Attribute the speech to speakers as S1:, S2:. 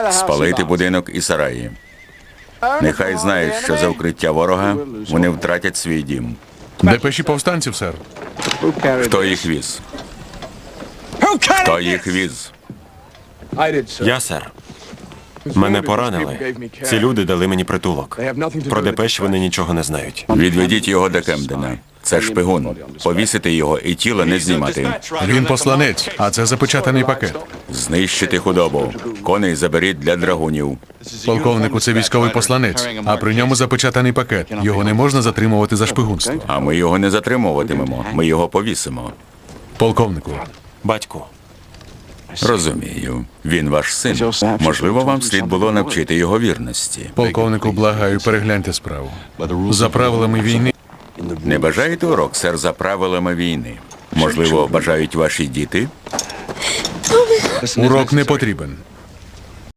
S1: Спалити будинок і сараї. Нехай знають, що за укриття ворога вони втратять свій дім.
S2: Депеші повстанців, сер.
S1: Хто їх віз? Хто їх віз?
S3: Я, сер. Мене поранили. Ці люди дали мені притулок. Про депеш вони нічого не знають.
S1: Відведіть його до Кемдена. Це шпигун. Повісити його і тіло не знімати.
S2: Він посланець, а це запечатаний пакет.
S1: Знищити худобу. Коней заберіть для драгунів.
S2: Полковнику, це військовий посланець, а при ньому запечатаний пакет. Його не можна затримувати за шпигунство.
S1: А ми його не затримуватимемо. Ми його повісимо.
S2: Полковнику,
S3: Батьку,
S1: Розумію. Він ваш син. Можливо, вам слід було навчити його вірності.
S2: полковнику, благаю, перегляньте справу. За правилами війни
S1: Не бажаєте урок, сер, за правилами війни? Можливо, бажають ваші діти?
S2: урок не потрібен.